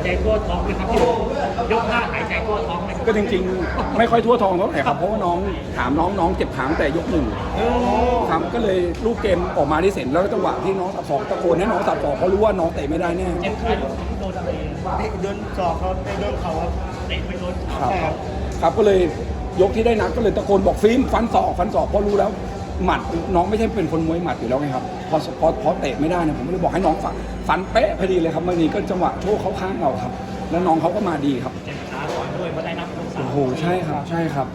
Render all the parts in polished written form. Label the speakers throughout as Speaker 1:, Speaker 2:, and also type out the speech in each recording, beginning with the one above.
Speaker 1: ใจทั่วท้องไหมครับพี่ยกท่าหายใจทั่วท้องไหม
Speaker 2: ก็จริงๆไม่ค่อยทั่วท้องเท่าไหร่ครับเพราะว่าน้องถามน้องเจ็บขาตั้งแต่ยกหนึ่งครับก็เลยลูกเกมออกมาได้เสร็จแล้วจังหวะที่น้องตัดศอกตะโกนให้น้องตัดศอกเพราะรู้ว่าน้องเตะไม่ได้แน่
Speaker 1: เจ็บขาโดนอะไรโดนศอกเขาโดนเขาเตะไปโดน
Speaker 2: ครับก็เลยยกที่ได้นัดก็เลยตะโกนบอกฟิล์มฟันศอกเพราะรู้แล้วหมัดน้องไม่ใช่เป็นคนมวยหมัดอยู่แล้วไงครับพอเตะไม่ได้นะผมก็เลยบอกให้น้องฟันเป๊ะพอดีเลยครับเมื่อนี้ก็จังหวะโชคเข้าข้างเราครับแล้วน้องเขาก็มาดีครับ
Speaker 1: เจ็บขาก่อนด้วยมาได้นับ
Speaker 2: โอ้โหใช่ครับ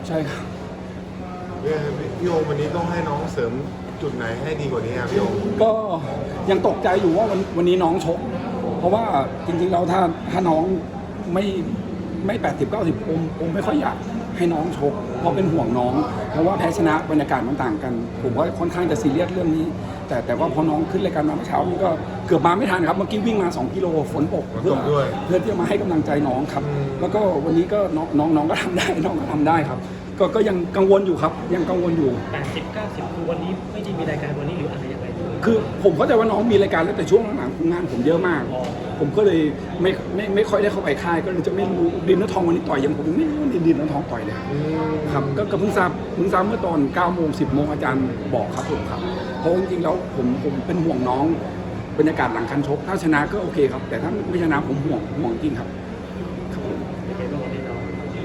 Speaker 3: พี่โอวันนี้ต้องให้น้องเสริมจุดไหนให้ดีกว่านี้ครับพี่โอ
Speaker 2: ก็ยังตกใจอยู่ว่าวันนี้น้องชกเพราะว่าจริงๆเราถ้าน้องไม่80-90ผมไม่ค่อยอยากให้น้องชกเพราะเป็นห่วงน้องเพราะว่าแพ้ชนะบรรยากาศมันต่างกันผมว่าค่อนข้างจะซีเรียสเรื่องนี้แต่ว่าพอน้องขึ้นรายการมาเมื่อเช้านี่ก็เกือบมาไม่ทันครับเมื่อกี้วิ่งมา2กิโลฝนตกเพื่อที่จะมาให้กำลังใจน้องครับแล้วก็วันนี้ก็น้องก็ทำได้น้องก็ทำได้ครับก็ยังกังวลอยู่ครับยังกังวลอยู่
Speaker 1: 80-90คือวันนี้ไม่ได้มีรายการวันนี้หรืออะไรยังไง
Speaker 2: คือผมเข้าใจว่าน้องมีรายการแล้วแต่ช่วงหลังงานผมเยอะมากผมก็เลยไม่ค่อยได้เข้าไปค่ายก็เลยจะไม่รู้ดินน้ำทองวันนี้ต่อยยังผมไม่รู้ว่าดินน้ำทองต่อยเลยครับก็เพิ่งทราบเมื่อตอน9 โมง 10 โมงอาจารย์บอกครับผมครับเพราะจริงๆแล้วผมเป็นห่วงน้องบรรยากาศหลังคันชกถ้าชนะก็โอเคครับแต่ถ้าไม่ชนะผมห่วงจริงครับ